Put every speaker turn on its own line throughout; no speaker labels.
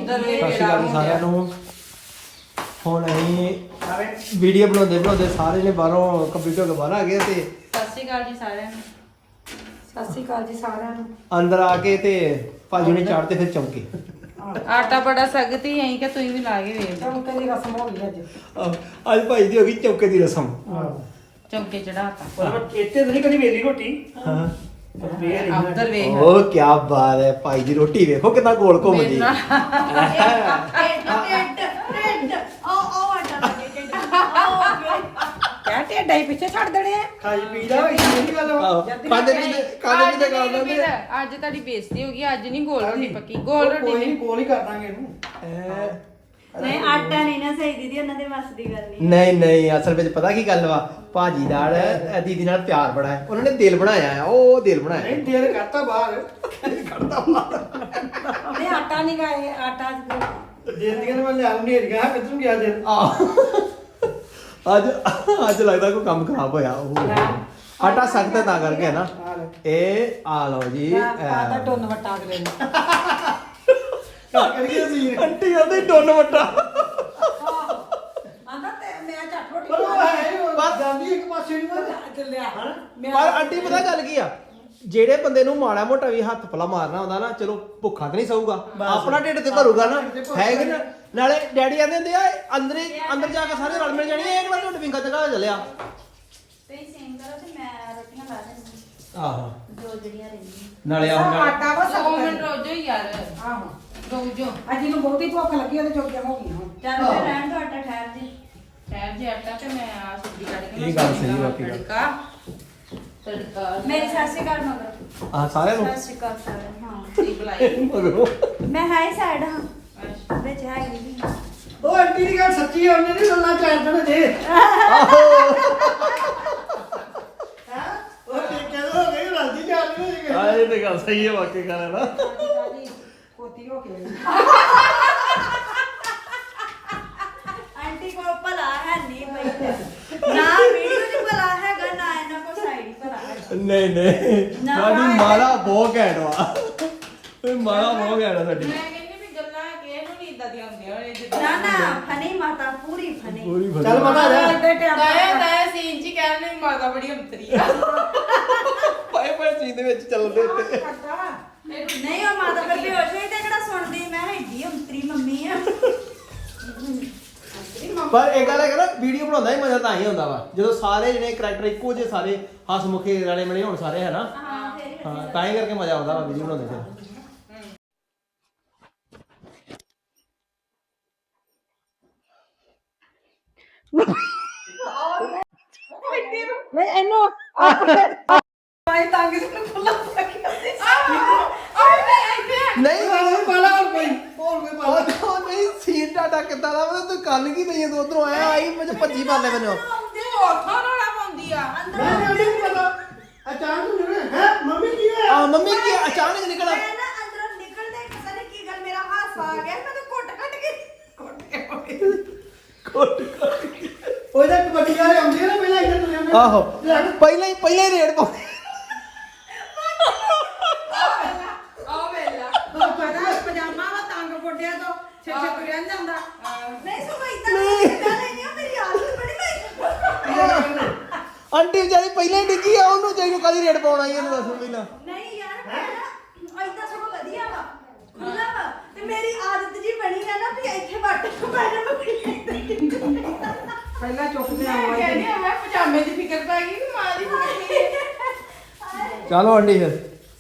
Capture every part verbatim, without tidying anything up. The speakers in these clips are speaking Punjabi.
ਸਤਿ ਸ਼੍ਰੀ ਅਕਾਲ ਸਾਰਿਆਂ ਨੂੰ। ਹੁਣ ਅਸੀਂ ਵੀਡੀਓ ਬਣਾਉਂਦੇ ਬਣਾਉਂਦੇ ਸਾਰੇ ਨੇ ਬਾਹਰੋਂ ਕੰਪਿਊਟਰ ਤੋਂ ਬਾਹਰ ਆ ਗਏ ਤੇ
ਸਤਿ ਸ਼੍ਰੀ ਅਕਾਲ ਜੀ ਸਾਰਿਆਂ ਨੂੰ।
ਸਤਿ ਸ਼੍ਰੀ ਅਕਾਲ ਜੀ ਸਾਰਿਆਂ ਨੂੰ।
ਅੰਦਰ ਆ ਕੇ ਤੇ ਭਾਜੀ ਨੇ ਚਾੜਤੇ ਫਿਰ ਚੌਂਕੇ।
ਆਟਾ ਬੜਾ ਸਖਤੀ ਐਂ ਕਿ ਤੁਸੀਂ ਵੀ ਲਾ ਕੇ ਵੇਖ ਲਓ।
ਚੌਂਕੇ ਦੀ ਰਸਮ ਹੋ ਗਈ ਅੱਜ।
ਆਹ, ਅੱਜ ਭਾਈ ਦੀ ਹੋ ਗਈ ਚੌਂਕੇ ਦੀ ਰਸਮ।
ਚੌਂਕੇ ਚੜਾਤਾ
ਪਰ ਇੱਥੇ ਨਹੀਂ ਕਦੀ ਵੇਲੀ ਰੋਟੀ
ਹਾਂ
ਉਧਰ ਵੇਖ
ਉਹ ਕੀ ਬਾਤ ਹੈ ਭਾਈ ਦੀ ਰੋਟੀ ਵੇਖੋ ਕਿੰਨਾ ਗੋਲ ਘੁੰਮਦੀ।
ਕਿਆ ਢੇਡਾ ਹੀ ਪਿੱਛੇ ਛੱਡ ਦੇਣੇ ਆ।
ਖਾਈ ਪੀਦਾ ਹੋਈ ਨਹੀਂ ਗੱਲ
ਕਾਦੇ ਵੀ ਕਾਦੇ ਵੀ ਤੇ ਗੱਲ
ਅੱਜ
ਨਾ
ਅੱਜ ਤੁਹਾਡੀ ਬੇਇੱਜ਼ਤੀ ਹੋ ਗਈ। ਅੱਜ ਨਹੀਂ ਗੋਲ ਰੋਟੀ ਪੱਕੀ। ਗੋਲ ਰੋਟੀ
ਕੋਈ
ਨਹੀਂ
ਕੋਲ ਹੀ ਕਰ ਦਾਂਗੇ ਇਹਨੂੰ।
ਨਹੀਂ ਆਟਾ ਨਹੀਂ ਨਾ ਸਹੀ ਦੀਦੀ ਉਹਨਾਂ ਦੇ ਵੱਸ ਦੀ ਗੱਲ ਨਹੀਂ।
ਨਹੀਂ ਨਹੀਂ ਅਸਲ ਵਿੱਚ ਪਤਾ ਕੀ ਗੱਲ ਵਾ ਭਾਜੀ ਨਾਲ ਦੀਦੀ ਨਾਲ ਪਿਆਰ ਬੜਾ ਹੈ। ਉਹਨਾਂ ਨੇ ਦਿਲ ਬਣਾਇਆ ਆ ਉਹ ਦਿਲ ਬਣਾਇਆ
ਨਹੀਂ ਦੇਰ ਕਰਤਾ ਬਾਹਰ
ਕੱਢਦਾ ਬਾਹਰ।
ਨਹੀਂ ਆਟਾ ਨਹੀਂ ਗਾਏ ਆਟਾ
ਦੇਰ ਦੀਆਂ ਮੈਂ ਲਿਆ ਨੇਰ ਗਿਆ ਕਿੱਧਰੋਂ ਗਿਆ ਦੇਰ
ਅੱਜ ਅੱਜ ਲੱਗਦਾ ਕੋਈ ਕੰਮ ਖਰਾਬ ਹੋਇਆ ਉਹ ਆਟਾ ਸਖਤ ਤਾਂ ਕਰਕੇ ਹੈ ਨਾ। ਇਹ ਆ ਲਓ ਜੀ
ਪਾਤਾ ਟੋਨ ਵਟਾ ਅਗਲੇ ਨੂੰ।
ਕਰੀਏ ਸੀ
ਆਂਟੀ ਕਹਿੰਦੇ ਡੋਨ ਵੱਟਾ।
ਆਂਦਾ ਤੇ ਮੈਂ ਝੱਟ ਰੋਟੀ
ਪਰ ਉਹ ਹੈ ਉਹ ਜਾਂਦੀ ਇੱਕ ਪਾਸੇ ਨਹੀਂ ਮੈਂ
ਚੱਲਿਆ
ਪਰ ਆਂਟੀ ਪਤਾ ਗੱਲ ਕੀ ਆ ਜਿਹੜੇ ਬੰਦੇ ਨੂੰ ਮਾੜਾ ਮੋਟਾ ਵੀ ਹੱਥ ਪਲਾ ਮਾਰਨਾ ਹੁੰਦਾ ਨਾ ਚਲੋ ਭੁੱਖਾ ਤੇ ਨਹੀਂ ਸੌਗਾ ਆਪਣਾ ਢਿੱਡ ਤੇ ਭਰੂਗਾ ਨਾ ਹੈ ਕਿ ਨਾ। ਨਾਲੇ ਡੈਡੀ ਆਂਦੇ ਹੁੰਦੇ ਆ ਅੰਦਰੇ ਅੰਦਰ ਜਾ ਕੇ ਸਾਰੇ ਰਲ ਮਿਲ ਜਾਣੀ ਇਹ ਕਿਹੜਾ ਢਿੱਡ ਵਿੰਗਾ ਜਗਾ ਚੱਲਿਆ।
ਤੁਸੀਂ ਸੇਮ ਕਰੋ ਤੇ ਮੈਂ ਰੋਟੀਆਂ ਲਾ ਦਿੰਦੀ
ਆਹੋ
ਦੋ ਜਿਹੜੀਆਂ ਰਹਿੰਦੀਆਂ।
ਨਾਲੇ ਆਹ
ਆਟਾ ਵਾ
ਦੋ
ਸਭ
ਮਿੰਟ ਰੋਜੋ ਯਾਰ।
ਆਹੋ
ਰੋਜੋ
ਅੱਜ ਨੂੰ ਬਹੁਤੀ ਭੁੱਖ ਲੱਗੀ ਉਹਦੇ ਚੋਕੀਆਂ ਹੋ ਗਈਆਂ ਹੁਣ।
ਚੱਲ ਫਿਰ ਰਹਿਣ ਦੋ ਆਟਾ ਠਹਿਰ ਜੀ।
ਠਹਿਰ ਜੇ ਆਟਾ ਤੇ ਮੈਂ ਆ ਸਬਜ਼ੀ ਕੱਢ ਕੇ
ਇਹ ਗੱਲ ਸਹੀ ਬਾਕੀ ਗੱਲ।
ਤੜਕਾ ਤੜਕਾ
ਮੇਰੀ ਸਤਿ ਸ਼੍ਰੀ ਅਕਾਲ ਮਗਰ।
ਆ ਸਾਰਿਆਂ ਨੂੰ
ਸਤਿ ਸ਼੍ਰੀ ਅਕਾਲ ਸਾਰਿਆਂ ਨੂੰ। ਹਾਂ
ਸਹੀ ਬੁਲਾਈ।
ਮੈਂ ਹੈ ਸਾਈਡ ਹਾਂ
ਅੱਛਾ।
ਵਿੱਚ ਹੈ ਨਹੀਂ।
ਉਹ ਆਂਟੀ ਦੀ ਗੱਲ ਸੱਚੀ ਹੈ ਉਹਨੇ ਨਹੀਂ ਗੱਲਾਂ ਚਾਰ ਜਣੇ ਦੇ ਉਹ ਟੇਕੇ ਹੋ ਗਈ ਰਾਜੀ ਜਾਣ ਨਹੀਂ
ਆ ਇਹ ਤੇ ਗੱਲ ਸਹੀ ਹੈ ਵਾਕਈ ਗੱਲ ਨਾ।
ਕੋਤੀ ਹੋ ਕੇ
ਆਂਟੀ ਕੋ ਭਲਾ ਹੈ ਨਹੀਂ ਬਈ। ਨਾ ਵੀਡੀਓ ਚ ਭਲਾ ਹੈਗਾ ਨਾ ਇਹਨਾਂ ਕੋ ਸਾਈਡ ਭਲਾ ਹੈ।
ਨਹੀਂ ਨਹੀਂ
ਨਾ,
ਸਾਡੀ ਮਾਲਾ ਬਹੁਤ ਘੈਂਟ ਵਾ। ਇਹ ਮਾਲਾ ਬਹੁਤ ਘੈਂਟ ਆ ਸਾਡੀ।
ਮੈਂ ਕਹਿੰਦੀ ਵੀ ਗੱਲਾਂ ਕਿਸੇ ਨੂੰ ਨਹੀਂ ਇਦਾਂ ਦੀਆਂ ਹੁੰਦੀਆਂ ਹੋਣੇ ਜਿੱਦਾਂ
ਨਾ ਨਾ ਫਨੀ ਮਾਤਾ ਪੂਰੀ ਫਨੀ।
ਪੂਰੀ ਫਸਲ।
ਚੱਲ ਪਤਾ ਜਾ
ਇੱਥੇ ਟਾਈਮ
ਦਾਇਆ ਦਾਇਆ ਸੀਨ ਚ ਕਹਿਣ ਨੂੰ ਮਾਤਾ ਬੜੀ ਅੰਤਰੀ ਆ।
ਪਾਏ ਪਾਏ ਚੀਜ਼ ਦੇ ਵਿੱਚ ਚੱਲਦੇ ਉੱਤੇ।
ਨਹੀਂ ਉਹ ਮਾਤਾ ਫਿਰ ਬੇਹੋਸ਼ ਹੋਈ ਤੇ ਕਿਹੜਾ ਸੁਣਦੀ। ਮੈਂ ਹੈਗੀ ਅੰਤਰੀ ਮੰਮੀ ਆ।
ਪਰ ਇਹ ਗੱਲ ਹੈ ਨਾ ਵੀਡੀਓ ਬਣਾਉਂਦਾ ਹੀ ਮਜ਼ਾ ਤਾਂ ਹੀ ਹੁੰਦਾ ਵਾ ਜਦੋਂ ਸਾਰੇ ਜਿਹੜੇ ਕਰੈਕਟਰ ਇੱਕੋ ਜਿਹੇ ਸਾਰੇ ਹੱਸਮੁਖੇ ਰਲੇ ਮਿਲੇ ਹੋਣ ਸਾਰੇ ਹੈ ਨਾ।
ਹਾਂ ਫੇਰ ਹੀ
ਹਾਂ ਤਾਂ ਹੀ ਕਰਕੇ ਮਜ਼ਾ ਆਉਂਦਾ ਵਾ ਵੀਡੀਓ ਬਣਾਉਂਦੇ ਫਿਰ।
ਨਹੀਂ ਇਹਨੂੰ ਆਈ ਤੰਗ ਨੂੰ ਖੁੱਲਾ ਰੱਖਿਆ
ਨਹੀਂ
ਹੋਰ ਪਾਲਾ ਹੋਰ ਕੋਈ ਹੋਰ ਕੋਈ ਪਾਲਾ
ਉਹ ਨਹੀਂ ਸੀਨ ਟਾਟਾ ਕਿੱਦਾਂ ਦਾ ਵਾ ਤੂੰ ਕੱਲ ਕੀ ਨਹੀਂ ਤੂੰ ਉਧਰੋਂ ਆਇਆ ਆਈ ਮੈਨੂੰ ਭੱਜੀ ਮਾਰਨੇ ਮੈਨੂੰ।
ਤੇ ਉੱਥੋਂ ਰੋਣਾ ਪਾਉਂਦੀ ਆ।
ਮੈਂ ਨਹੀਂ ਪਤਾ ਅਚਾਨਕ ਨੂੰ ਹੈ ਮੰਮੀ ਕੀ ਹੋਇਆ
ਆ ਮੰਮੀ ਕੀ ਅਚਾਨਕ ਨਿਕਲਾ।
ਮੈਂ ਨਾ ਅੰਦਰੋਂ ਨਿਕਲਦੇ ਪਤਾ ਨਹੀਂ ਕੀ ਗੱਲ ਮੇਰਾ ਹਾਸਾ ਆ ਗਿਆ। ਮੈਂ ਤਾਂ ਕੁੱਟ ਕੱਟ ਕੇ ਕੁੱਟ ਕੇ
ਕੋਟ ਕੋਟ
ਉਹਦਾ ਕਬੱਡੀ ਵਾਲੇ ਆਉਂਦੇ ਨਾ ਪਹਿਲਾਂ ਇੱਧਰ ਤੁਰੇ ਹੁੰਦੇ।
ਆਹੋ ਪਹਿਲਾਂ ਹੀ ਪਹਿਲਾਂ ਹੀ ਰੇਡ ਪਾਉਂਦੇ।
ਆ ਵੇਲਾ
ਪਤਾ ਪਜਾਮਾ ਵਾ ਤੰਗ ਗੋਡਿਆਂ ਤੋਂ ਛੇ ਛੇ ਤੁਰਿਆ ਨੀ ਜਾਂਦਾ।
ਨਹੀਂ ਸੋ ਮੈਂ ਇਦਾਂ ਗੱਲ ਨਹੀਂ ਮੇਰੀ ਆਦਤ ਬੜੀ ਮੈਂ
ਆਂਟੀ ਵਿਚਾਰੀ ਪਹਿਲਾਂ ਹੀ ਡਿੱਗੀ ਆ ਉਹਨੂੰ ਚਾਹੀਨੂੰ ਕਾਦੀ ਰੇਡ ਪਾਉਣ ਆਈ ਇਹਨੂੰ ਦੱਸ ਪਹਿਲਾਂ।
ਨਹੀਂ ਯਾਰ ਮੈਂ ਇਦਾਂ ਸਭ ਵਧੀਆ ਵਾ ਖੁੱਲਾ ਵਾ ਤੇ ਮੇਰੀ ਆਦਤ ਜੀ ਬਣੀ ਆ ਨਾ ਵੀ ਇੱਥੇ ਵੱਟ ਮੈਂ
ਪਹਿਲਾਂ ਚੁੱਕਦੇ
ਮੈਂ
ਆਵਾਂ
ਕਹਿੰਦੀ ਆ ਮੈਂ ਪਜਾਮੇ ਦੀ ਫਿਕਰ ਪੈ ਗਈ ਕਿ ਮਾਂ ਦੀ ਫਿਕਰ ਨਹੀਂ।
ਚਲੋ ਆਂਟੀ ਫਿਰ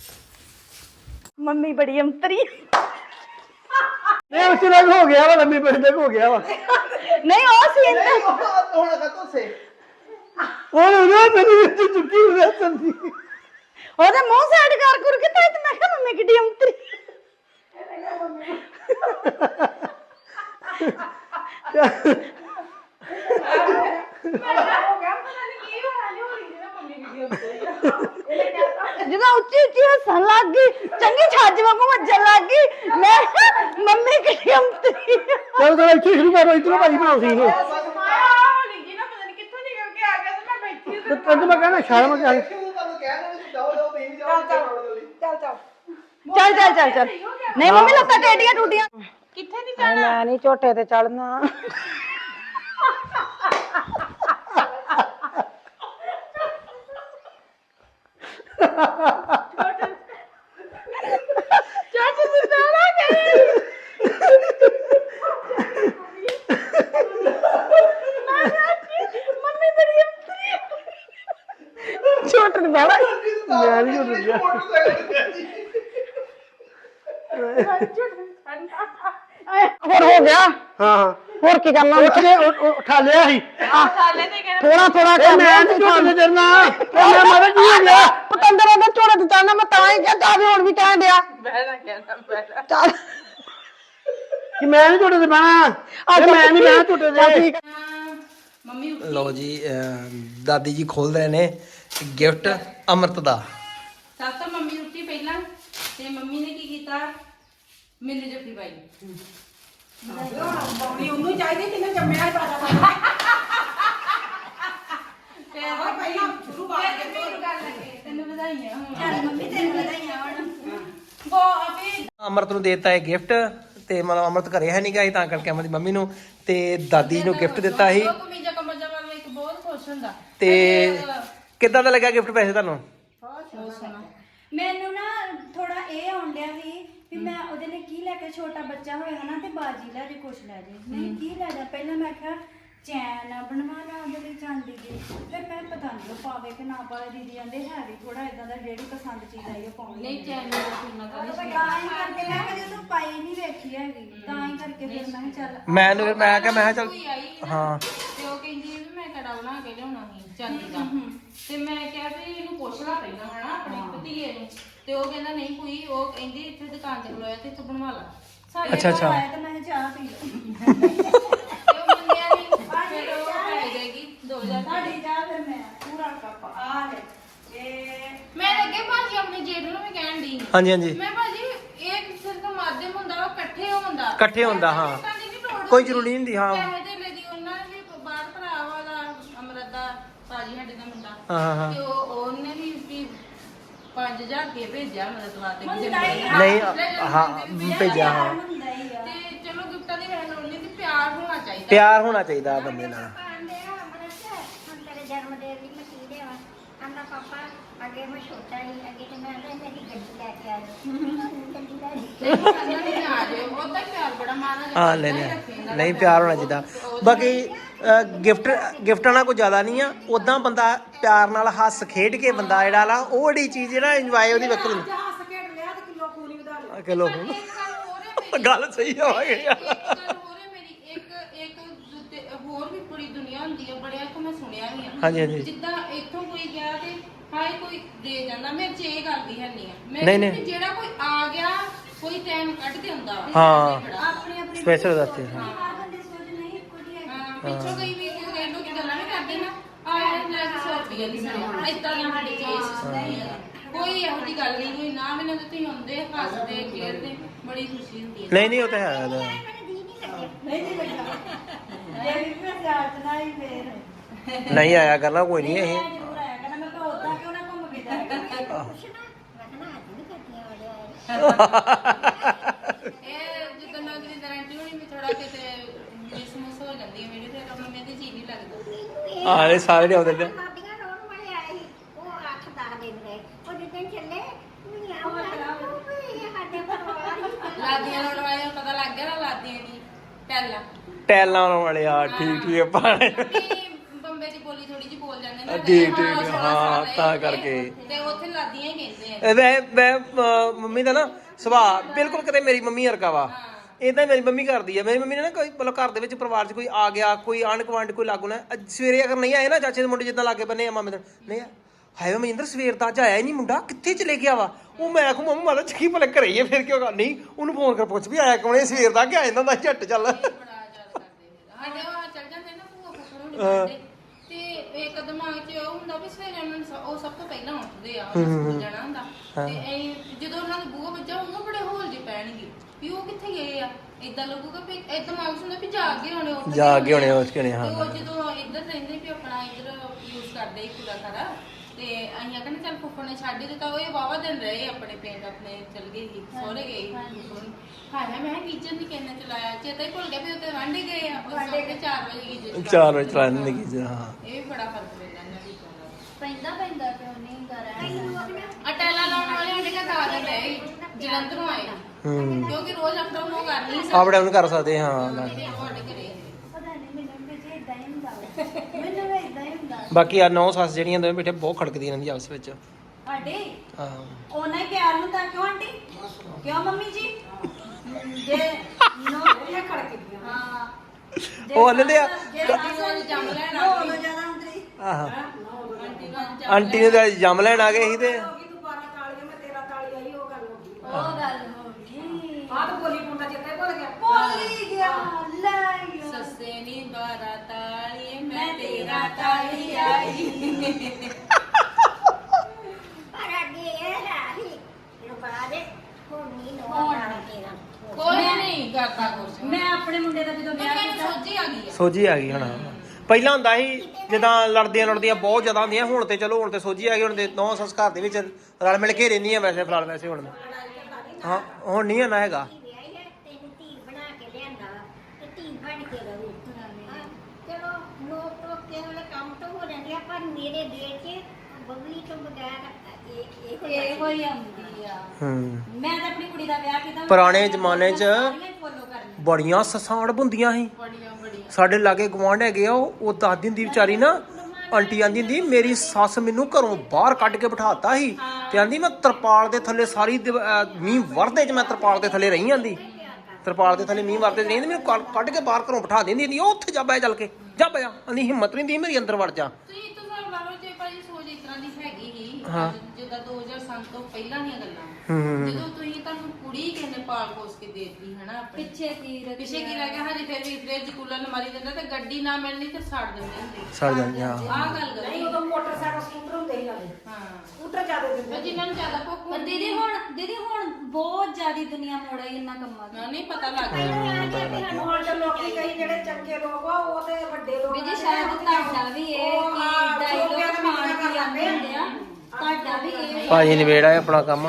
ਮੰਮੀ ਬੜੀ ਅੰਤਰੀ
ਇਹ ਉਸ ਨਾਲ ਹੋ ਗਿਆ ਵਾ ਲੰਮੀ ਪੈਂਦੇ ਹੋ ਗਿਆ ਵਾ
ਨਹੀਂ ਉਹ ਸੀ
ਹੁਣ ਕਦੋਂ ਸੇ
ਉਹ ਨਾ ਮੈਨੂੰ ਵਿੱਚ ਚੁੱਕੀ ਹੋਇਆ ਸੰਦੀ
ਉਹਦੇ ਮੂੰਹ ਸਾਈਡ ਕਰ ਕਰ ਕੇ ਤੇ ਮੈਂ ਕਿਹਾ ਮੰਮੀ ਕਿੱਡੀ ਅੰਤਰੀ। ਜਦੋਂ ਉੱਚੀ ਉੱਚੀ ਹੱਸਣ ਲੱਗ ਗਈ ਚੰਗੀ ਛੱਜ ਵਾਂਗੂ ਵੱਜਣ ਲੱਗ ਗਈ। ਮੈਂ ਕਿਹਾ, ਮੰਮੀ ਕਿੱਡੀ ਅੰਤਰੀ।
ਚਲ ਚਲ ਇੱਥੇ ਸ਼ੁਰੂ ਕਰੋ ਇੱਧਰੋਂ ਭਾਈ ਬਣਾਓ ਸੀ ਇਹ
ਮਾਇਆ ਹੋਲੀ ਜੀ ਨਾ ਪਤਾ ਨਹੀਂ ਕਿੱਥੋਂ ਨਿਕਲ ਕੇ ਆ ਗਿਆ ਤੇ ਮੈਂ ਬੈਠੀ
ਤੇ ਤੈਨੂੰ ਮੈਂ ਕਹਿੰਦਾ ਸ਼ਰਮ ਕਰ
ਤੁਹਾਨੂੰ ਕਹਿ ਰਹੇ ਜਾਓ ਜਾਓ ਪਈ ਜਾਓ
ਚੱਲ ਚੱਲ
ਚੱਲ ਚੱਲ ਚੱਲ ਚੱਲ ਨਹੀਂ ਮੰਮੀ ਲੱਤਾਂ ਟੇਡੀਆਂ ਟੁੱਟੀਆਂ।
ਕਿੱਥੇ ਪੈਣਾ
ਮੈਂ ਨਹੀਂ ਝੋਟੇ ਤੇ ਚੜਨਾ
ਚੱਟ ਤੇ ਪੈਣਾ ਕਰੇ ਮੰਮੀ ਬੜੀ ਅੰਤਰੀ
ਝੋਟੇ ਤੇ ਬਹਿਣਾ
ਮੈਂ ਨਹੀਂ ਉੱਠਿਆ
ਹੋਰ ਹੋ ਗਿਆ
ਹਾਂ
ਹੋਰ ਕੀ ਕਰਨਾ
ਉੱਠ ਕੇ ਉੱਠ- ਉੱਠ- ਉਠਾ ਲਿਆ ਸੀ
ਸਾਲੇ ਤੇ ਕਹਿੰਦਾ
ਥੋੜਾ ਥੋੜਾ
ਇਹ
ਕਰ
ਮੈਂ ਤੇ ਝੋਟੇ ਤੇ ਚੜਨਾ ਮੈਂ ਮਾਰੇ ਕੀ ਹੋ ਗਿਆ
ਪਤੰਦਰ ਉਹਦਾ ਝੋਟੇ ਤੇ ਚੜਨਾ ਮੈਂ ਤਾਂ ਹੀ ਕਿਹਾ ਤਾਂ ਹੁਣ ਵੀ ਕਹਿਣ ਡਿਆ
ਬਹਿਣਾ ਕਹਿੰਦਾ ਬਹਿਣਾ
ਚੱਲ
ਕਿ ਮੈਂ ਨਹੀਂ ਝੋਟੇ ਤੇ ਬਹਿਣਾ ਇਹ ਮੈਂ ਨਹੀਂ ਬਹਿਣਾ ਝੋਟੇ
ਚੱਲ
ਤੇ
ਠੀਕ ਆ।
ਮੰਮੀ ਉੱਠੀ
ਲਓ ਜੀ ਅਹ ਦਾਦੀ ਜੀ ਖੋਲ ਰਹੇ ਨੇ ਗਿਫਟ ਅੰਮ੍ਰਿਤ ਦਾ।
ਸਭ ਤੋਂ ਮੰਮੀ ਉੱਠੀ ਪਹਿਲਾਂ ਤੇ ਮੰਮੀ ਨੇ ਕੀ ਕੀਤਾ ਮੈਨੂੰ ਜੱਫੀ ਪਾਈ
ਬੌਣੀ ਉਹਨੂੰ ਚਾਹੀਦੀ ਕਿੰਨੇ ਜੰਮਿਆ ਪਾਦਾ
ਤੇ
ਪਹਿਲਾਂ ਸ਼ੁਰੂ ਬਾਤ
ਤੇ ਮੈਨੂੰ ਗੱਲ ਲੱਗੇ ਤੈਨੂੰ ਵਧਾਈਆਂ ਹੋਣ
ਚੱਲ ਮੰਮੀ ਤੈਨੂੰ ਵਧਾਈਆਂ ਹੋਣ
ਬੋ ਅਭੀ
ਅੰਮ੍ਰਿਤ ਨੂੰ ਦੇਤਾ ਹੈ ਗਿਫਟ ਤੇ ਮਤਲਬ ਅੰਮ੍ਰਿਤ ਘਰੇ ਹੈ ਨਹੀਂ ਗਈ ਤਾਂ ਕਰਕੇ ਅਮਰ ਦੀ ਮੰਮੀ ਨੂੰ ਤੇ ਦਾਦੀ ਨੂੰ ਗਿਫਟ ਦਿੱਤਾ ਸੀ।
ਉਹ ਕਮੀਜ਼ਾ ਕਮਜਾ ਵਾਲਾ ਇੱਕ ਬਹੁਤ ਖੁਸ਼ ਹੁੰਦਾ
ਤੇ ਕਿੱਦਾਂ ਦਾ ਲੱਗਾ ਗਿਫਟ ਪੈਸੇ ਤੁਹਾਨੂੰ?
ਬਹੁਤ ਸੋਹਣਾ
ਮੈਨੂੰ ਨਾ ਥੋੜਾ ਇਹ ਆਉਣ ਡਿਆ ਸੀ ਵੀ ਮੈਂ ਉਹਦੇ ਲਈ ਕੀ ਲੈ ਕੇ ਛੋਟਾ ਬੱਚਾ ਹੋਏ ਹਨਾ ਤੇ ਬਾਜੀ ਲੈ ਜੇ ਕੁਛ ਲੈ ਜੇ ਨਹੀਂ ਕੀ ਲੈ ਜਾ ਪਹਿਲਾਂ ਮੈਂ ਕਿਹਾ ਚੈਨ ਬਣਵਾ ਲਾ ਉਹਦੇ ਲਈ ਚਾਂਦੀ ਦੀ ਫਿਰ ਮੈਂ ਪਤਾ ਨਹੀਂ ਉਹ ਪਾਵੇ ਕਿ ਨਾ ਪਾਵੇ ਦੀਦੀ ਕਹਿੰਦੇ ਹੈ ਵੀ ਥੋੜਾ ਇਦਾਂ ਦਾ ਜਿਹੜੀ ਪਸੰਦ ਚੀਜ਼ ਆਈ ਉਹ ਪਾਉਣੀ
ਨਹੀਂ ਚੈਨ ਨੂੰ ਸੁਣਨਾ ਤਾਂ ਨਹੀਂ
ਤਾਂ ਹੀ ਕਰਕੇ ਮੈਂ ਕਦੇ ਉਹਨੂੰ ਪਾਈ ਨਹੀਂ ਵੇਖੀ ਹੈਗੀ ਤਾਂ ਹੀ ਕਰਕੇ ਫਿਰ ਮੈਂ ਕਿਹਾ ਚੱਲ
ਮੈਨੂੰ ਫਿਰ ਮੈਂ ਕਿਹਾ ਮੈਂ ਕਿਹਾ
ਕੋਈ
ਚੱਲ
ਆਈ ਨਾ,
ਹਾਂ
ਤੇ ਉਹ ਕਹਿੰਦੀ ਵੀ ਮੈਂ ਕੜਾ ਬਣਾ ਕੇ ਲਿਆਉਣਾ ਸੀ ਚਾਂਦੀ ਦਾ ਤੇ ਮੈਂ ਕਿਹਾ ਵੀ ਇਹਨੂੰ ਪੁੱਛ ਲਾ ਪਹਿਲਾਂ ਹਨਾ ਆਪਣੇ ਭਤੀਏ ਨੂੰ ਤੇ ਉਹ ਕਹਿੰਦਾ ਨਹੀਂ ਕੋਈ ਉਹ ਕਹਿੰਦੀ ਇੱਥੇ ਦੁਕਾਨ ਤੇ ਖਲੋਇਆ ਤੇ ਇੱਥੋਂ ਬਣਵਾ ਲਾ ਸਾਡੇ
ਅੱਛਾ,
ਘਰ
ਅੱਛਾ।
ਆਇਆ ਤੇ ਮੈਂ ਕਿਹਾ ਚਾਹ ਪੀ ਲਓ
ਤੇ ਉਹ ਮੰਨਿਆ ਨਹੀਂ ਫਿਰ ਉਹ ਪੈ ਜਾਏਗੀ ਦੋ ਹਜ਼ਾਰ
ਸਾਡੀ ਚਾਹ ਫਿਰ ਮੈਂ ਪੂਰਾ ਕੱਪ ਆ ਲੈ ਇਹ
ਮੈਂ ਤਾਂ ਅੱਗੇ ਭਾਜੀ ਆਪਣੇ ਜੇਠ ਨੂੰ ਵੀ ਕਹਿਣ ਦੀ
ਹਾਂਜੀ ਹਾਂਜੀ
ਮੈਂ ਭਾਜੀ ਇਹ ਸਿਰਫ ਮਾਧਿਅਮ ਹੁੰਦਾ ਉਹ ਇਕੱਠੇ ਹੁੰਦਾ
ਇਕੱਠੇ ਹੁੰਦਾ, ਹਾਂ।
ਪੈਸਿਆਂ ਦੀ ਨੀ ਲੋੜ
ਕੋਈ
ਹੁੰਦੀ।
ਜ਼ਰੂਰੀ ਨਹੀਂ ਹੁੰਦੀ, ਹਾਂ।
ਪੈਸੇ ਧੇਲੇ ਦੀ ਉਹਨਾਂ ਨੇ ਵੀ ਬਾਹਰ ਭਰਾ ਵਾਲਾ ਅਮਰਤ ਦਾ ਭਾਜੀ ਸਾਡੇ ਦਾ ਮੁੰਡਾ
ਹਾਂ, ਹਾਂ, ਹਾਂ।
ਤੇ ਉਹ ਉਹਨੇ ਵੀ ਵੀ ਪੰਜ ਹਜ਼ਾਰ ਰੁਪਏ ਭੇਜਿਆ ਮਦਦ ਵਾਸਤੇ ਕਿਸੇ
ਹੁੰਦਾ ਹੀ
ਨੇ।
ਆ।
ਨਹੀਂ,
ਪਿਛਲੇ ਜਨਮ
ਹਾਂ,
ਦਿਨ ਤੇ ਵੀ
ਭੇਜਿਆ, ਹਾਂ।
ਹੁੰਦਾ ਹੀ ਆ
ਤੇ ਚਲੋ ਗਿਫਟਾਂ ਦੀ ਰਹਿਣ ਲੋੜ ਨਹੀਂ ਤੇ ਪਿਆਰ ਹੋਣਾ ਚਾਹੀਦਾ
ਪਿਆਰ ਹੋਣਾ ਚਾਹੀਦਾ ਬੰਦੇ ਨਾਲ।
ਆਂਦੇ ਆ ਅਮਰਤ ਹੁਣ ਤੇਰੇ ਜਨਮ ਦਿਨ ਦੀ ਮੈਂ ਕੀ ਦੇਵਾਂ ਆਂਦਾ ਪਾਪਾ ਅੱਗੇ ਮੈਂ ਛੋਟਾ ਹੀ ਅੱਗੇ ਤੇ ਮੈਂ ਆਂਦਾ ਮੇਰੀ ਗੱਡੀ ਲੈ ਕੇ ਆਇਓ ਗੱਡੀ ਲੈ
ਨਹੀਂ ਕਹਿੰਦਾ ਨਹੀਂ ਆ ਜਾਏ ਉਹਦਾ ਪਿਆਰ ਬੜਾ ਮਾਣਾ
ਹਾਂ ਨਹੀਂ ਨਹੀਂ ਨਹੀਂ ਪਿਆਰ ਹੋਣਾ ਚਾਹੀਦਾ। ਬਾਕੀ ਗਿਫਟ ਗਿਫਟਾਂ ਨਾਲ ਕੋਈ ਜ਼ਿਆਦਾ ਨਹੀਂ ਆ ਉਦਾਂ ਬੰਦਾ ਪਿਆਰ ਨਾਲ ਹੱਸ ਖੇਡ ਕੇ ਬੰਦਾ ਜਿਹੜਾ ਨਾ ਉਹ ਜਿਹੜੀ ਚੀਜ਼ ਜਿਹੜਾ ਇੰਜੋਏ ਉਹਦੀ ਵਕਤ ਨੂੰ
ਹੱਸ ਖੇਡ ਲਿਆ ਤੇ ਕਿਲੋ ਖੂਨ ਵਧਾ ਲਿਆ
ਕਿਲੋ
ਪਰ ਇੱਕ ਗੱਲ ਹੋਰ ਹੈ ਮੇਰੀ
ਗੱਲ ਸਹੀ ਹੋਵੇ
ਇੱਕ ਗੱਲ ਹੋਰ ਹੈ ਮੇਰੀ ਇੱਕ ਇੱਕ ਦੂਜੇ- ਹੋਰ ਵੀ ਬੜੀ ਦੁਨੀਆ ਹੁੰਦੀ ਹੈ ਬੜਿਆ ਕੋ ਮੈਂ ਸੁਣਿਆ ਵੀ ਆ
ਹਾਂਜੀ, ਹਾਂਜੀ।
ਜਿੱਦਾਂ ਇੱਥੋਂ ਕੋਈ ਗਿਆ ਤੇ ਹਾਏ ਕੋਈ ਦੇ ਜਾਂਦਾ ਮੇਰੇ ਚ ਇਹ ਗੱਲ ਦੀ ਹੈ ਨਹੀਂ ਆ ਮੈਂ
ਨਹੀਂ, ਨਹੀਂ।
ਕਹਿੰਦੀ ਜਿਹੜਾ ਕੋਈ ਆ ਗਿਆ ਕੋਈ ਟਾਈਮ ਕੱਢ ਕੇ ਹੁੰਦਾ ਵਾ।
ਹਾਂ।
ਆਪਣੀ ਆਪਣੀ
ਸਪੈਸ਼ਲ ਦੱਸਦੇ ਹਾਂ।
ਹਰ ਬੰਦੇ ਸੋਚ ਨਹੀਂ ਇੱਕੋ ਜਿਹੀ ਹੈਗੀ
ਹਾਂ, ਪਿੱਛੋਂ ਕਈ ਵੀ ਕਈ ਲੋਕ ਗੱਲਾਂ ਨਹੀਂ ਕਰਦੇ ਨਾ ਆ ਲੈ ਕੇ ਸੌ ਰੁਪਏ ਦੀ ਸੁਣਿਆ ਇਦਾਂ ਦਾ ਸਾਡੇ ਕੇਸ ਨਹੀਂ ਹੈਗਾ। ਕੋਈ ਇਹੋ ਜਿਹੀ ਗੱਲ ਨਹੀਂ ਕੋਈ ਨਾ ਮੈਨੂੰ ਤੇ ਤੁਸੀਂ ਹੁੰਦੇ ਹੱਸਦੇ ਖੇਡਦੇ ਬੜੀ ਖੁਸ਼ੀ ਹੁੰਦੀ ਹੈ
ਨਹੀਂ ਨਹੀਂ ਉਹ ਤਾਂ ਹੈ ਉਹਦਾ।
ਨਹੀਂ ਨਹੀਂ ਲੱਗਾ ਜੇ ਵੀ ਮੈਂ ਜਾਚਣਾ ਹੀ ਫੇਰ
ਨਹੀਂ ਆਇਆ ਕਰਨਾ ਕੋਈ ਨਹੀਂ
ਮੈਂ
ਇਹ
ਜ਼ਰੂਰ ਆਇਆ ਕਰਨਾ ਮੈਂ ਤਾਂ ਉਦਾਂ ਕਿਉਂ ਨਾ ਘੁੰਮ ਕੇ ਜਾਇਆ ਕਰਾਂਗੀ।
ਮੈਂ ਕਹਿੰਦਾ ਅੱਜ ਵੀ ਕਰਦੀਆਂ ਵਾਲਿਆ
ਇਹ ਜਿੱਦਾਂ ਨੌਕਰੀ ਦਾ ਰੈਂਟ ਹੋਣੀ ਵੀ ਥੋੜਾ ਕਿਤੇ ਮਿਸਮਸ ਹੋ ਜਾਂਦੀ ਹੈ ਮੇਰੀ ਤੇ ਆਪਣਾ ਮੇਰੇ ਜੀ ਨਹੀਂ ਲੱਗਦਾ
ਹਾਂ ਇਹ ਸਾਰੇ ਨੇ ਆਉਂਦੇ ਨੇ
ਲਾਡੀਆਂ ਰੋਣ ਵਾਲੇ ਆਏ ਸੀ ਉਹ ਅੱਠ ਦਸ ਦਿਨ ਰਹੇ ਉਹ ਜਿੱਦਣ ਚੱਲੇ ਮੈਂ ਆਉਂਦਾ ਇਹ ਸਾਡੇ ਪਰਿਵਾਰ ਹੀ
ਲਾਦੀਆਂ ਲਾਉਣ ਵਾਲੇ ਨੂੰ ਪਤਾ ਲੱਗ ਗਿਆ ਨਾ ਲਾਦੀਆਂ ਦੀ ਟੈਲਾ
ਟੈਲਾਂ ਲਾਉਣ ਵਾਲੇ ਆ ਠੀਕ ਠੀਕ ਹੈ ਪਾਣੇ
ਬੰਬੇ ਦੀ ਬੋਲੀ ਥੋੜੀ ਜਿਹੀ ਬੋਲ ਜਾਂਦੇ ਨੇ
ਠੀਕ, ਠੀਕ, ਹਾਂ, ਤਾਂ ਕਰਕੇ।
ਤੇ ਉੱਥੇ ਲਾਦੀਆਂ ਹੀ ਕਹਿੰਦੇ ਆ
ਮੈਂ ਮੈਂ ਅਹ, ਮੰਮੀ ਦਾ ਨਾ ਸੁਭਾਅ ਬਿਲਕੁਲ ਕਿਤੇ ਮੇਰੀ ਮੰਮੀ ਵਰਗਾ ਵਾ ਇਦਾਂ ਮੇਰੀ ਮੰਮੀ ਕਰਦੀ ਆ ਮੇਰੀ ਮੰਮੀ ਨੇ ਨਾ ਕੋਈ ਮਤਲਬ ਘਰ ਦੇ ਵਿੱਚ ਪਰਿਵਾਰ 'ਚ ਕੋਈ ਆ ਗਿਆ ਕੋਈ ਆਂਢ ਗੁਆਂਢ ਕੋਈ ਲਾਗੂ ਨਾ ਅੱਜ ਸਵੇਰੇ ਅਗਰ ਨਹੀਂ ਆਏ ਨਾ ਚਾਚੇ ਦੇ ਮੁੰਡੇ ਜਿੱਦਾਂ ਲਾਗੇ ਬੰਨੇ ਆ ਮਾਮੇ ਦੇ ਨਹੀਂ ਆ ਹਾਏ ਮਹਿੰਦਰ ਸਵੇਰ ਦਾ ਅੱਜ ਆਇਆ ਹੀ ਨਹੀਂ ਮੁੰਡਾ ਕਿੱਥੇ ਚਲੇ ਗਿਆ ਵਾ ਉਹ ਮੈਂ ਆਖੂ ਮੰਮੀ ਮਾਤਾ ਚਕੀ ਭਲੇ ਘਰੇ ਹੀ ਆ ਫਿਰ ਕਿਉਂ ਗੱਲ ਨਹੀਂ ਉਹਨੂੰ ਫੋਨ ਕਰ ਪੁੱਛ ਵੀ ਆਇਆ ਕੌਣ ਇਹ ਸਵੇਰ ਦਾ ਕਿ ਆ ਜਾਂਦਾ ਹੁੰਦਾ ਝੱਟ ਚੱਲ
ਬੜਾ ਯਾਦ ਕਰਦੇ ਨੇ ਸਾਡੇ ਉਹ ਚੱਲ ਜਾਂਦੇ ਨਾ ਭੂਆ ਫੁੱਫੜੋਂ ਨਹੀਂ ਜਾਂਦੇ ਤੇ ਇੱਕ ਦਿਮਾਗ 'ਚ ਉਹ ਹੁੰਦਾ ਵੀ ਸਵੇਰੇ ਉਹਨਾਂ ਨੂੰ ਸ- ਉਹ ਸਭ ਤੋਂ ਪਹਿਲਾਂ ਉੱਠਦੇ ਆ ਉਹਨਾਂ ਸਕੂਲ ਜਾਣਾ ਹੁੰਦਾ ਤੇ ਐਂ ਜਦੋਂ ਉਹਨਾਂ ਦਾ ਬੂਹਾ ਵੱਜਾ ਉਹ ਬੜੇ ਹੋਲ ਜਿਹੇ ਪੈਣਗੇ ਵੀ ਉਹ ਕਿੱਥੇ ਗਏ ਆ ਇਦਾਂ ਲੱਗੂਗਾ ਵੀ ਇਹ ਦਿਮਾਗ 'ਚ ਹੁੰਦਾ ਵੀ ਜਾਗ ਗਏ ਹੋਣੇ ਉੱਠ
ਜਾਗ ਗਏ ਹੋਣੇ, ਉੱਠ ਗਏ ਹੋਣੇ, ਹਾਂ,
ਤੇ ਉਹ ਜਦੋਂ ਇੱਧਰ ਰਹਿੰਦੇ ਵੀ ਆਪਣਾ ਇੱਧਰ ਯੂਜ਼ ਕਰਦੇ ਹੀ ਕੂੜਾ ਖਾਰਾ ਤੇ ਅਸੀਂ ਕਹਿੰਦੇ ਚੱਲ ਫੁੱਫੜ ਨੇ ਛੱਡ ਹੀ ਦਿੱਤਾ ਉਹ ਇਹ ਵਾਵਾ ਦਿਨ ਰਹੇ ਆਪਣੇ ਪਿੰਡ ਆਪਣੇ ਚਲ ਗਏ ਸੀ ਸਹੁਰੇ ਗਏ ਸੀ। ਹਾਏ ਹਾਏ ਮੈਂ ਕਿਚਨ ਦੀ ਕਿੰਨੇ ਚਲਾਇਆ ਚੇਤਾ ਹੀ ਭੁੱਲ ਗਿਆ ਵੀ ਉੱਤੇ ਵੰਡ ਹੀ ਗਏ ਆ ਉਹ ਸਾਢੇ ਚਾਰ ਵਜੇ ਗਈ ਜੀ
ਚਾਰ ਵਜੇ ਚਲਾ ਲੈਂਦੇ ਕੀ ਹਾਂ
ਇਹ ਵੀ ਬੜਾ ਫਰਕ ਪੈਂਦਾ ਇਹਨਾਂ ਦੀ
ਪੈਂਦਾ ਪੈਂਦਾ ਕਿਉਂ ਨਹੀਂ ਕਰਾਂ
ਅਟੈਲਾ ਲਾਉਣ ਵਾਲੇ ਸਾਡੇ ਘਰ ਆ ਗਏ ਹੀ ਜਲੰਧਰੋਂ ਆਏ
ਹੂੰ
ਕਿਉਂਕਿ ਰੋਜ਼ ਅਪ ਡਾਊਨ ਉਹ ਕਰ ਨਹੀਂ
ਆਪਣੇ ਨੂੰ ਕਰ ਸਕਦੇ ਹਾਂ
ਸਕਦੇ ਤੁਹਾਡੇ ਘਰੇ
ਪਤਾ ਨਹੀਂ ਮੈਨੂੰ ਵੀ ਜੇ ਇਦਾਂ ਹੀ ਹੁੰਦਾ ਵਾ। ਮੈਨੂੰ ਵੀ ਇਦਾਂ ਹੀ ਹੁੰਦਾ
ਬਾਕੀ ਆ ਨੌ ਸੱਸ ਜਿਹੜੀਆਂ ਦੋਵੇਂ ਬੈਠੇ ਬਹੁਤ ਖੜਕਦੀਆਂ ਰਹਿੰਦੀਆਂ ਆਪਸ ਵਿੱਚ
ਆਂਟੀ
ਹਾਂ
ਉਹਨਾਂ ਹੀ ਪਿਆਰ ਹੁੰਦਾ ਕਿਉਂ ਆਂਟੀ ਕਿਉਂ ਮੰਮੀ ਜੀ ਜੇ ਨੋ
ਇਹ ਖੜਕਦੀਆਂ
ਹਾਂ
ਉਹ ਹਲੇ ਤੇ ਆ-
ਜੇ
ਰੋਜ਼ ਜੰਮ ਲੈਣ ਆ
ਉਹ ਜ਼ਿਆਦਾ ਹੁੰਦੀ
ਆਹ
ਆਂਟੀ ਨੂੰ
ਆਂਟੀ ਨੇ ਤਾਂ ਜੰਮ ਲੈਣ ਆ ਗਏ ਸੀ ਤੇ
ਹੋ ਗਈ ਤੂੰ ਬਾਰਾਂ ਤਾਲੀਆਂ ਮੈਂ ਤੇਰਾ ਤਾਲੀ ਆਈ ਉਹ ਗੱਲ ਹੋ ਗਈ
ਉਹ ਗੱਲ ਹੋ ਗਈ
ਆਹ ਤਾਂ ਬੋਲੀ ਮੁੰਡਾ ਚੇਤਾ ਹੀ ਭੁੱਲ ਗਿਆ
ਬੋਲੀ ਗਿਆ ਲੈ
ਸੱਸੇ ਨੀ ਬਾਰਾ ਤਾਲੀਏ ਮੈਂ ਤੇਰਾ ਤਾਲੀ ਆਈ
ਪਰ ਅੱਗੇ ਇਹ ਹੈ ਹੀ ਰੁਪਾ ਦੇ ਹੁਣ ਨਹੀਂ ਨਵਾਂ ਤੇਰਾ
ਕੋਈ ਨਹੀਂ ਕਰਦਾ ਕੁਛ
ਮੈਂ ਆਪਣੇ ਮੁੰਡੇ ਦਾ ਜਦੋਂ ਵਿਆਹ
ਮੈਨੂੰ
ਕੀਤਾ
ਸੋਝੀ ਆ ਗਈ ਆ
ਸੋਝੀ ਆ ਗਈ ਹੁਣ ਪਹਿਲਾਂ ਹੁੰਦਾ ਸੀ ਜਿੱਦਾਂ ਲੜਦੀਆਂ ਲੜਦੀਆਂ ਬਹੁਤ ਜ਼ਿਆਦਾ ਹੁੰਦੀਆਂ ਹੁਣ ਤੇ ਚਲੋ ਹੁਣ ਤੇ ਸੋਝੀ ਆ ਗਈ ਹੁਣ ਤੇ ਨੌ ਸੰਸਕਾਰ ਦੇ ਵਿੱਚ ਰਲ ਮਿਲ ਕੇ ਰਹਿੰਦੀਆਂ ਵੈਸੇ ਫਿਲਹਾਲ ਵੈਸੇ ਹੁਣ ਹਾਂ ਹੁਣ ਨਹੀਂ ਨਾ ਹੈਗਾ
ਵਿਆਹੀ ਹੈ ਤੈਨੂੰ ਧੀ ਬਣਾ ਕੇ ਲਿਆਂਦਾ ਤੇ ਧੀ ਬਣ ਕੇ ਰਹੂ ਹਾਂ, ਚਲੋ ਲੋਕ ਟੋਕ ਕੇ ਵਾਲੇ ਕੰਮ ਤਾਂ ਹੋ ਜਾਂਦੇ ਆ ਪਰ ਮੇਰੇ ਦਿਲ 'ਚ ਬਬਲੀ ਤੋਂ ਬਗੈਰ ਇਹ ਇਹ
ਇਹੋ ਹੀ ਆਉਂਦੀ ਆ
ਹੂੰ
ਮੈਂ ਤਾਂ ਆਪਣੀ ਕੁੜੀ ਦਾ ਵਿਆਹ ਕੀਤਾ
ਪੁਰਾਣੇ ਜ਼ਮਾਨੇ 'ਚ
ਫੋਲੋ ਕਰਨੀ
ਬੜੀਆਂ ਸੱਸਾਂ ਅੜਬੁੰਦੀਆਂ ਸੀ
ਬੜੀਆਂ ਬੜੀਆਂ
ਸਾਡੇ ਲਾਗੇ ਗਵਾਂਢ ਹੈਗੇ ਆ ਉਹ ਉਹ ਦੱਸਦੀ ਹੁੰਦੀ ਵਿਚਾਰੀ ਨਾ ਆਂਟੀ ਆਂਦੀ ਹੁੰਦੀ ਮੇਰੀ ਸੱਸ ਮੈਨੂੰ ਘਰੋਂ ਬਾਹਰ ਕੱਢ ਕੇ ਬਿਠਾਤਾ ਸੀ ਤੇ ਆਂਦੀ ਮੈਂ ਤਰਪਾਲ ਦੇ ਥੱਲੇ ਸਾਰੀ ਦਿਵ- ਅਹ ਮੀਂਹ ਵਰਦੇ 'ਚ ਮੈਂ ਤਰਪਾਲ ਦੇ ਥੱਲੇ ਰਹੀ ਆਂਦੀ ਤਰਪਾਲ ਦੇ ਥੱਲੇ ਮੀਂਹ ਵਰਦੇ 'ਚ ਰਹੀ ਆਂਦੀ ਮੈਨੂੰ ਕੱਢ- ਕੱਢ ਕੇ ਬਾਹਰ ਘਰੋਂ ਬਿਠਾ ਦਿੰਦੀ ਹੁੰਦੀ ਉਹ ਉੱਥੇ ਜਾ ਬੈ ਚੱਲ ਕੇ ਜਾ ਬੈ ਜਾ ਆਂਦੀ ਹਿੰਮਤ ਨਹੀਂ ਦੀ ਮੇਰੀ ਅੰਦਰ ਵੜ ਜਾ
ਤੁਸੀਂ ਤਾਂ ਸਰ ਬਾਰੋ ਜੇ ਭਾਜੀ ਸੋਚ ਇਸ ਤਰ੍ਹਾਂ ਦੀ ਹੈਗੀ ਹੀ
ਹਾਂ।
ਜਿੱਦਾਂ ਦੋ ਹਜ਼ਾਰ ਸੱਤ ਤੋਂ ਪਹਿਲਾਂ ਦੀਆਂ ਗੱਲਾਂ
ਹੂੰ
ਜਦੋਂ ਤੁਸੀਂ ਤੁਹਾਨੂੰ ਕੁੜੀ ਕਿਸੇ ਨੇ ਪਾਲ ਪੋਸ ਕੇ ਦੇਤੀ ਹਨਾ ਆਪਣੀ
ਪਿੱਛੇ ਕੀ ਰੱਖਿਆ?
ਪਿੱਛੇ ਕੀ ਰਹਿ ਗਿਆ ਹਜੇ ਫਿਰ ਵੀ ਫ੍ਰਿਜ ਕੂਲਰ ਅਲਮਾਰੀ ਦਿੰਦਾ ਤੇ ਗੱਡੀ ਨਾ ਮਿਲਣੀ ਤੇ ਛੱਡ ਦਿੰਦੇ ਹੁੰਦੇ
ਸੜ ਜਾਂਦੀ ਹਾਂ
ਆਹ ਗੱਲ
ਨਹੀਂ
ਕਰੀ
ਉਦੋਂ ਮੋਟਰਸਾਈਕਲ ਸਕੂਟਰ ਹੁੰਦੇ ਸੀ ਨਾਲੇ
ਹਾਂ
ਸਕੂਟਰ ਜ਼ਿਆਦਾ ਦਿੰਦੇ
ਤੇ ਜਿਨ੍ਹਾਂ ਨੂੰ ਜ਼ਿਆਦਾ ਭੁੱਖ
ਪਰ
ਹੁੰਦੀ
ਦੀਦੀ ਹੁਣ ਦੀਦੀ ਹੁਣ ਬਹੁਤ ਜ਼ਿਆਦੀ ਦੁਨੀਆ ਮੋੜ ਆਈ ਇਹਨਾਂ ਕੰਮਾਂ ਦੀ
ਨਾ ਨਹੀਂ ਪਤਾ ਲੱਗ ਗਿਆ
ਹੁਣ ਤੇ ਲੋਕੀ ਕਈ ਜਿਹੜੇ ਚੰਗੇ ਲੋਕ ਆ ਉਹ ਤੇ ਵੱਡੇ ਲੋਕ
ਵੀ ਜੀ ਸ਼ਾਇਦ ਤੁਹਾਡਾ ਵੀ ਇਹ
ਉਹ
ਕਿ
ਹਾਂ,
ਡਾਇਲੋਗ
ਛੋਟਿਆਂ ਦੇ
ਮਾਰ
ਮਗਰ
ਕੇ ਆਉਂਦੇ ਹੁੰਦੇ ਆ ਤੁਹਾਡਾ ਵੀ ਇਹ
ਭਾਜੀ ਨਿਬੇੜਾ ਹੈ ਆਪਣਾ ਕੰਮ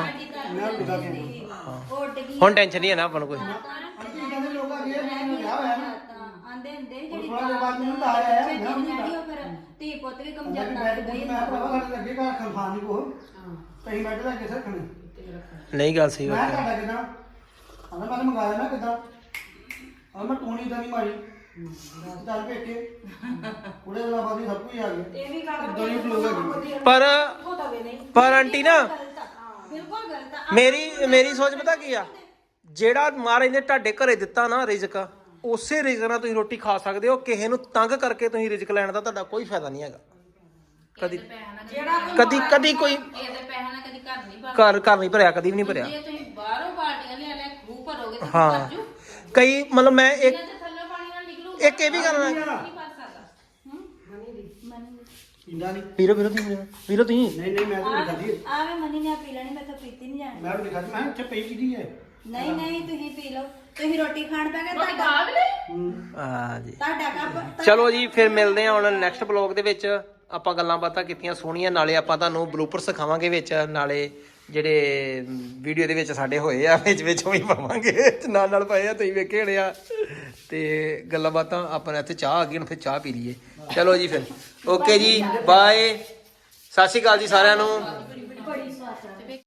ਉੱਡ ਗਈ
ਹੁਣ ਟੈਨਸ਼ਨ ਨਹੀਂ ਹੈ ਨਾ ਆਪਾਂ ਨੂੰ ਕੋਈ
ਕਹਿੰਦੇ ਲੋਕ ਆ ਗਏ ਮੈਨੂੰ ਵਿਆਹ ਹੋਇਆ ਨਾ
ਆਂਦੇ ਹੁੰਦੇ ਸੀ ਜਿਹੜੀ
ਥੋੜਾ ਜਿਹਾ ਬਾਅਦ ਮੈਨੂੰ ਤਾਂ ਆਇਆ ਹੈ,
ਛੇਤੀ
ਵਿਆਹ
ਨਹੀਂ ਉਹ ਫਿਰ ਧੀ ਪੁੱਤ ਵੀ ਕਮ
ਮੈਂ
ਜਾਂਦਾ
ਬੈਠ
ਗਈ
ਮੈਂ ਭਰਾਵਾ ਸਾਡੇ ਲੱਗੇ ਘਰ ਖਲਫਾਨ ਨਹੀਂ ਕੋ ਕਹੀਂ ਬੈਠ ਲੈ ਕੇ ਰੱਖਣੀ
ਨਹੀਂ ਗੱਲ ਸਹੀ
ਮੈਂ
ਬਾਤ ਹੈ
ਤੁਹਾਡਾ ਕਿਦਾਂ ਆਂਦਾ ਮੈਂ ਮੰਗਾਇਆ ਮੈਂ ਕਿਦਾਂ ਆ ਮੈਂ ਟੋਣੀ ਤਾਂ ਨਹੀਂ ਮਾਰੀ ਚੱਲ ਪੇਕੇ ਉਹਦੇ ਨਾਲ ਬਾਅਦ ਹੀ ਸਭ ਕੁਝ ਆ ਗਿਆ
ਇਹ ਵੀ ਗੱਲ
ਦੋਨੇ ਲੋਕ ਹੈਗੇ
ਪਰ
ਹੋ ਦਵੇ ਨਹੀਂ
ਪਰ ਆਂਟੀ ਨਾ
ਗਲਤ ਆ ਬਿਲਕੁਲ ਗਲਤ ਆ
ਮੇਰੀ ਮੇਰੀ ਸੋਚ ਪਤਾ ਕੀ ਆ ਜਿਹੜਾ ਮਹਾਰਾਜ ਨੇ ਤੁਹਾਡੇ ਘਰੇ ਦਿੱਤਾ ਨਾ ਰਿਜ਼ਕ ਉਸੇ ਰਿਜ਼ਕ ਨਾਲ ਤੁਸੀਂ ਰੋਟੀ ਖਾ ਸਕਦੇ ਹੋ ਕਿਸੇ ਨੂੰ ਤੰਗ ਕਰਕੇ ਤੁਸੀਂ ਰਿਜ਼ਕ ਲੈਣ ਦਾ ਤੁਹਾਡਾ ਕੋਈ ਫਾਇਦਾ ਨਹੀਂ ਹੈਗਾ ਕਦੀ
ਜਿਹੜਾ
ਕਦੀ ਕਦੀ ਕੋਈ
ਇਹਦੇ ਪੈਸਾ ਨਾਲ ਕਦੀ ਘਰ ਨਹੀਂ ਭਰਦਾ
ਘਰ ਘਰ ਨਹੀਂ ਭਰਿਆ ਕਦੀ ਵੀ ਨਹੀਂ ਭਰਿਆ
ਜੇ ਤੁਸੀਂ ਬਾਹਰੋਂ ਬਾਲਟੀਆਂ ਲਿਆ ਲੈ ਖੂਹ ਭਰੋਗੇ ਤੇ
ਹਾਂ
ਭਰ ਜੂ
ਕਈ ਮਤਲਬ ਮੈਂ ਇੱਕ
ਇਹਨਾਂ ਦੇ ਥੱਲੇ ਪਾਣੀ ਨਾਲ ਨਿਕਲੂ
ਇੱਕ ਇਹ ਵੀ ਗੱਲ ਹੈ
ਨਹੀਂ ਭਰ ਸਕਦਾ
ਪੀਂਦਾ ਨਹੀਂ
ਵੀਰੋ ਵੀਰੋ ਤੁਸੀਂ ਵੀਰੋ ਤੁਸੀਂ
ਨਹੀਂ ਨਹੀਂ ਮੈਂ ਤਾਂ ਨਹੀਂ ਖਾਦੀ
ਆਵੇ ਮਨੀ ਨੇ ਪੀ ਲੈਣੀ ਮੈਂ ਤਾਂ ਪੀਤੀ ਨਹੀਂ ਜਾਣੀ
ਮੈਂ ਵੀ ਨਹੀਂ ਖਾਦੀ ਮੈਂ ਇੱਥੇ ਪਈ ਕਿਹਦੀ ਹੈ
ਨਹੀਂ ਨਹੀਂ ਤੁਸੀਂ ਪੀ ਲਓ ਤੁਸੀਂ ਰੋਟੀ ਖਾਣ ਪੈ ਗਏ
ਰੋਟੀ
ਤੁਹਾਡਾ
ਖਾ ਵੀ ਲਈ
ਹਾਂ ਜੀ
ਤੁਹਾਡਾ ਕੱਪ
ਚਲੋ ਜੀ ਫਿਰ ਮਿਲਦੇ ਹਾਂ ਹੁਣ ਨੈਕਸਟ ਬਲੌਗ ਦੇ ਵਿੱਚ ਆਪਾਂ ਗੱਲਾਂ ਬਾਤਾਂ ਕੀਤੀਆਂ ਸੋਹਣੀਆਂ ਨਾਲੇ ਆਪਾਂ ਤੁਹਾਨੂੰ ਬਲੂਪਰ ਸਿਖਾਵਾਂਗੇ ਵਿੱਚ ਨਾਲੇ ਜਿਹੜੇ ਵੀਡੀਓ ਦੇ ਵਿੱਚ ਸਾਡੇ ਹੋਏ ਆ ਵਿੱਚ ਵਿੱਚ ਉਹ ਵੀ ਪਾਵਾਂਗੇ ਨਾਲ ਨਾਲ ਪਏ ਆ ਤੁਸੀਂ ਵੇਖੇ ਹੋਣੇ ਆ ਤੇ ਗੱਲਾਂ ਬਾਤਾਂ ਆਪਾਂ ਨੇ ਇੱਥੇ ਚਾਹ ਆ ਗਈ ਹੁਣ ਫਿਰ ਚਾਹ ਪੀ ਲਈਏ ਚਲੋ ਜੀ ਫਿਰ ਓਕੇ ਜੀ ਬਾਏ ਸਤਿ ਸ਼੍ਰੀ ਅਕਾਲ ਜੀ ਸਾਰਿਆਂ ਨੂੰ